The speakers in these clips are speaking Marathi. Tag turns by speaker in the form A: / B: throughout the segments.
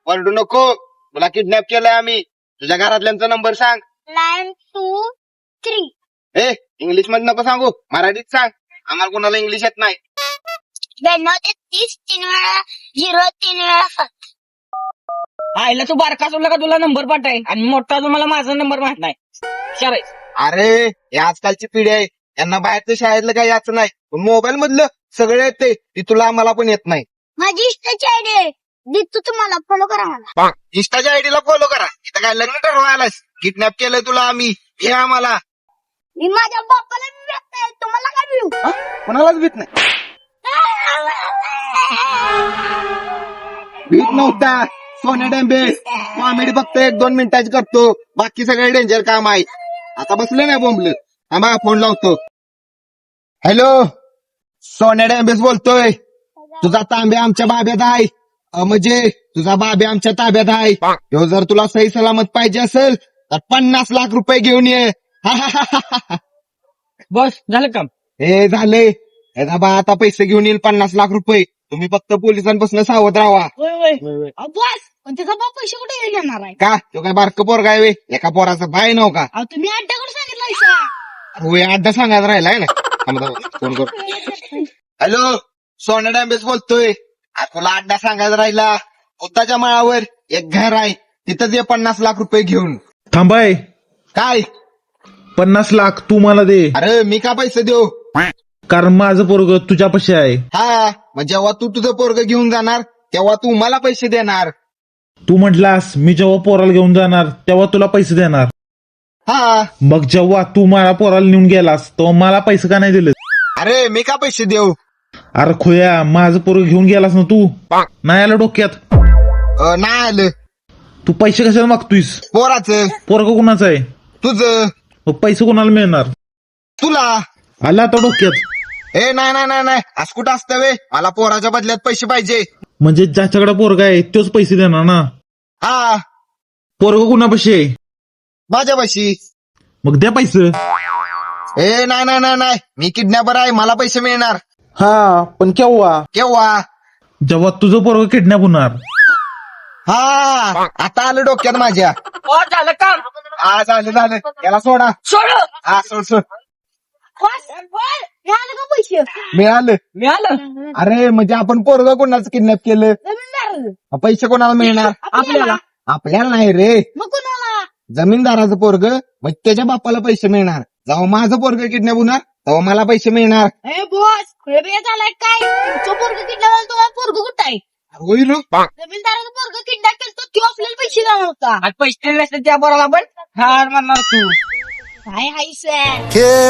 A: ओरडू नको. तुला किडनॅप केलंय आम्ही. तुझ्या घरातल्यांचा नंबर सांग.
B: 923.
A: इंग्लिश मध्ये नको सांगू, मराठीत सांग. आम्हाला कोणाला इंग्लिश येत नाही.
B: 92 3 वेळा 0 3 वेळा 7.
C: आईला तू बारका सोडला का तुला नंबर पाठाय आणि मोठा अजून मला माझा नंबर माहित नाही. विचारायचं.
A: अरे हे आजकालची पिढी आहे, यांना बाहेरचं शाळेतलं काही याचं नाही, पण मोबाईल मधलं सगळं येते ती तुला आम्हाला पण येत नाही.
B: माझी इष्टाची आयडी आहे. दीप्त तुम्हाला फॉलो करा मला.
A: इंस्टाच्या आयडीला फॉलो करा. इथं काय लग्न ठरवायलास? किडनॅप केलंय तुला आम्ही, हे आम्हाला.
B: मी माझ्या बापाला भेटतोय, तुम्हाला काय मिळू?
A: कोणालाच भीत नाही. भीत नव्हता. सोन्या डेंबे कॉमेडी फक्त 1-2 मिनिटाची करतो, बाकी सगळे डेंजर काम आहे. आता बसलं नाही बोंबलं. थांबा फोन लावतो. हॅलो, सोन्या डेंबेस बोलतोय. तुझा तांबे आमच्या बाब्यात आहे. म्हणजे तुझा बाबे आमच्या ताब्यात आहे. ह्यो जर तुला सही सलामत पाहिजे असेल तर 50 लाख रुपये घेऊन ये.
C: बस झालं काम.
A: हे झाले. हे दाबा आता पैसे घेऊन येईल 50 लाख रुपये. तुम्ही फक्त पोलिसांपासून सावध राहा.
B: बस पण त्याचा बाप पैसे कुठे घेणार आहे?
A: का तो काय बारकं पोरगा आहे व्हय? एका पोराचं बाय नव का?
B: अहो तुम्ही अड्ड्याकडे सांगितलं.
A: होय अड्डा सांगायला राहिलाय ना. फोन कर. हॅलो, सोन्या डॅम्बेस बोलतोय. तुला अड्डा सांगायला राहिला. उताच्या माळावर एक घर आहे, तिथं दे 50 लाख रुपये घेऊन.
D: थांबाय.
A: काय?
D: 50 लाख तू मला दे.
A: अरे मी का पैसे देऊ?
D: कारण माझं पोरग तुझ्यापाशी आहे.
A: हा, मग जेव्हा तू तुझं पोरग घेऊन जाणार तेव्हा तू मला पैसे देणार.
D: तू म्हटलास मी जेव्हा पोराला घेऊन जाणार तेव्हा तुला पैसे देणार.
A: हा,
D: मग जेव्हा तू मला पोराला नेऊन गेलास तेव्हा मला पैसे का नाही दिले?
A: अरे मी का पैसे देऊ?
D: अरे खोया, माझं पोरग घेऊन गेलास ना तू. नाही आलं डोक्यात?
A: नाही आलं.
D: तू पैसे कशाला मागतोयस?
A: पोराचं.
D: पोरग कुणाचं आहे?
A: तुझं.
D: मग पैसे कोणाला मिळणार?
A: तुला.
D: आला आता डोक्यात?
A: नाही नाही नाही नाही, असं कुठं असतं वे? मला पोराच्या बदल्यात पैसे पाहिजे.
D: म्हणजे ज्याच्याकडे पोरगा आहे तोच पैसे देणार ना?
A: हा,
D: पोरग कुणापाशी आहे?
A: माझ्यापाशी.
D: मग द्या पैसे.
A: नाही नाही नाही नाही, मी किडनॅपर आहे, मला पैसे मिळणार.
D: हा, पण केव्हा?
A: केव्हा?
D: जेव्हा तुझं पोरग किडनॅप होणार.
A: हा, आता आलं डोक्यात माझ्या.
C: झालं काम.
A: हा, झालं झालं. याला सोडा.
C: सोड.
A: हा, सोड सोड.
B: मिळालं का पैसे?
A: मिळालं.
C: मिळालं.
A: अरे म्हणजे आपण पोरग कोणाचं किडनॅप केलं?
B: जमीनदार.
A: पैसे कोणाला मिळणार?
C: आपल्याला.
A: आपल्याला नाही रे,
B: मग कोणाला?
A: जमीनदाराचं पोरग. मग त्याच्या बापाला पैसे मिळणार. जेव्हा माझं पोरग किडनॅप होणार तेव्हा मला पैसे मिळणार.
B: ए बॉस खुळे झालाय काय? तुमचं पोरग किडनॅप तुम्हाला पोरग कुठं आहे?
A: होईल.
B: जमीनदाराचं पोरग किडनॅप केलं तो आपल्याला पैसे देणार होता.
C: आज पैसे दिले नसते त्या पोराला पण हार मारणार तू.
B: काय हाय सर?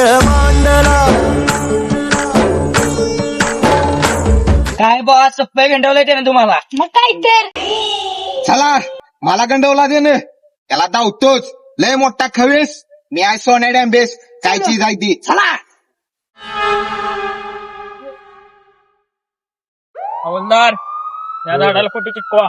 C: काय बॉस सप्पे गंडवलंय त्याने तुम्हाला.
B: मग काय तर?
A: चला, मला गंडवला दे ना. त्याला धावतोच. लय मोठा खवेस. मी आहे सोन्या डॅम्बेस. काय चीज आहे ती. चला.
C: हवलदार या झाडाला फोटो चिटकवा.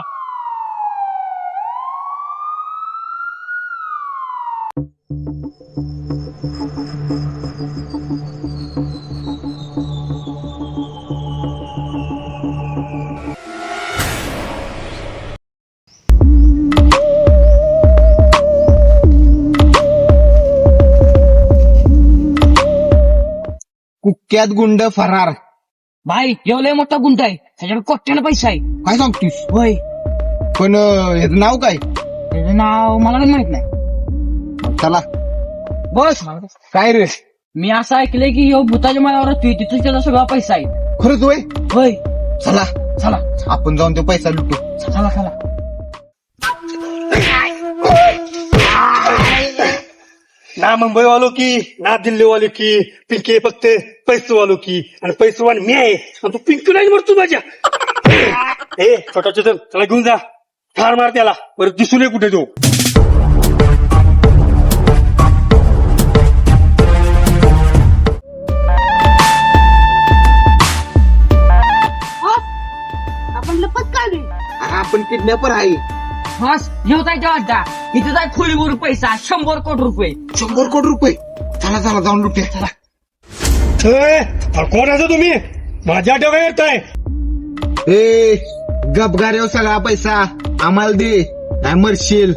A: कुख्यात गुंड फरार.
C: भाई एवढा मोठा गुंड आहे, त्याच्याकडे कोट्यानं पैसा आहे.
A: काय सांगतोस?
C: होय.
A: पण ह्याचं नाव काय?
C: त्याचं नाव मला पण माहित नाही.
A: चला.
C: बस
A: काय रे?
C: मी असं ऐकलंय की ह्यो भूताच्या मायावर तिथून त्याचा सगळा पैसा आहे.
A: खरंच होय?
C: होय.
A: चला
C: चला
A: आपण जाऊन तो पैसा लुटू.
C: चला चला.
E: ना मुंबई वालो की ना दिल्ली वालो की पिंकी फक्त पैसे वालो की आणि पैसे वाल मी आहे आणि तू पिंकी नाही मरतो माझ्या. ए छोटा चेतन त्याला घेऊन जा, ठार मार त्याला, परत दिसू नये कुठे तो.
B: आपण लपत काढू.
A: आपण किडनॅपर आहे.
C: बस घेऊ जायच्या वाटता. इथे जाय खोलीवर पैसा 100 कोटी रुपये.
A: 100 कोटी रुपये. चला चला जाऊन लुटूया. चला.
E: कोण असं तुम्ही माझ्या डोक्यात येताय?
A: ए गपगार येऊ सगळा पैसा. आम्हाला दे नाही मरशील.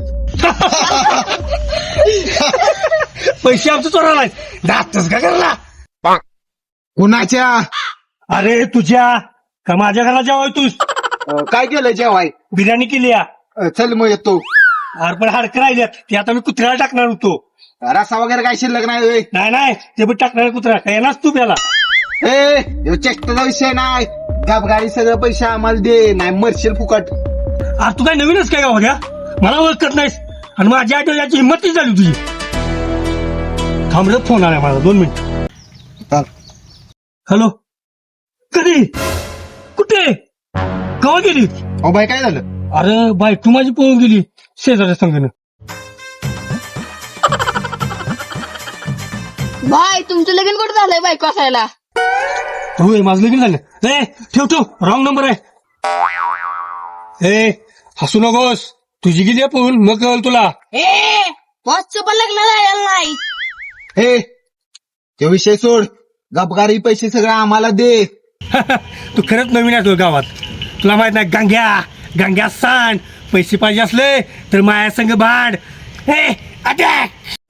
E: पैसे आमचं चोराला जातच का करला?
A: कुणाच्या?
E: अरे तुझ्या का माझ्या घराला जेवाय तू?
A: काय केलं जेवाय?
E: बिर्याणी केली या.
A: चल मग येतो.
E: अरे पण हाडकं राहिल्यात ते आता मी कुत्र्याला टाकणार होतो.
A: रसा वगैरे काय शिल्लक नाही होय?
E: नाही ते पण टाकणार कुत्रा काय येणार तू प्याला.
A: ए चेष्टाचा विषय नाही. गाडी सगळं पैसे आम्हाला दे नाही मरशील फुकट.
E: अरे तू काय नवीनच काय गाव घ्या मला ओळखत नाहीस आणि माझ्या आठवड्याची हिंमत झाली तुझी. थांब रे फोन आला माझा 2 मिनिट. हॅलो कधी कुठे केव्हा गेली?
A: अहो बाई काय झालं?
E: अरे बाई तू माझी पळून गेली शेजारच्या संघानं.
B: भाई तुमचं लगीन कुठं झालंय बायको असायला?
E: होय माझं लगीन झालं. ए ठेव रॉंग नंबर आहे. ए हसू नकोस तुझी गेली आहे पळून मग कळलं तुला.
B: बॉसचं पण लग्न झालेलं नाही.
A: हे ते विषय सोड. गपगारी पैसे सगळं आम्हाला दे.
E: तू खरंच नवीन आहे गावात. तुला माहित नाही गांग्या सांड पैसे पाहिजे असले तर माया संघ भांड. हे अटॅक.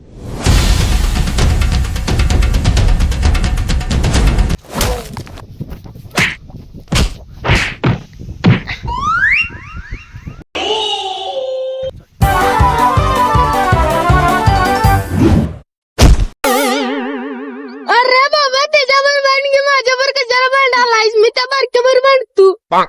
B: अरे बाबा त्याच्यावर भांड घे माझ्यावर कशाला भांडालायस? मी त्या बारक्यावर भांडतो.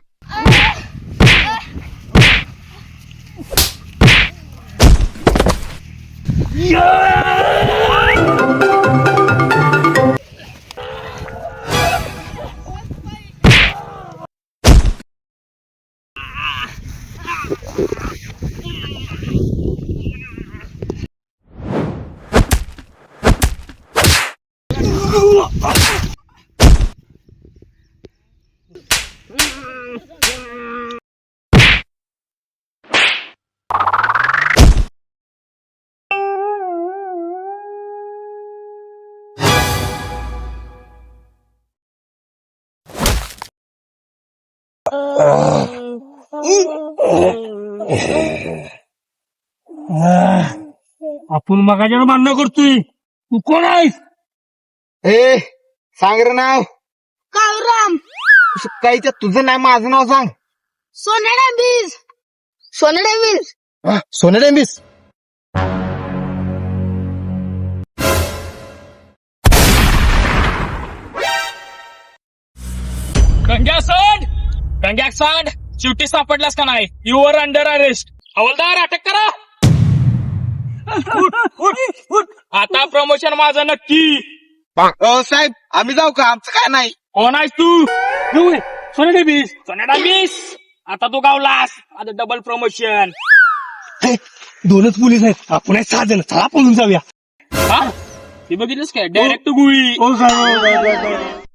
E: आपण मगाच्यानं मान्य करतोय. तू कोण आहेस?
A: ए सांग रे नाव.
B: काळूराम.
A: काहीच्या तुझं नाही माझं नाव सांग.
B: सोनेडांबीज.
A: सोने डेंबिस.
C: गंग्या सांड शेवटी सापडलास का नाही? You are under arrest. हवालदार अटक करा. आता प्रमोशन माझं नक्की.
A: साहेब आम्ही जाऊ का? आमचं काय नाही.
C: कोण आहेस तू? सोनेडांबीस. आता तू गावलास. आता डबल प्रमोशन.
E: 2च पोलीस आहेत आपण 6 जण. चला पळून जाऊया.
C: हा ते बघितलंस काय? डायरेक्ट गुळी.
E: हो साहेब.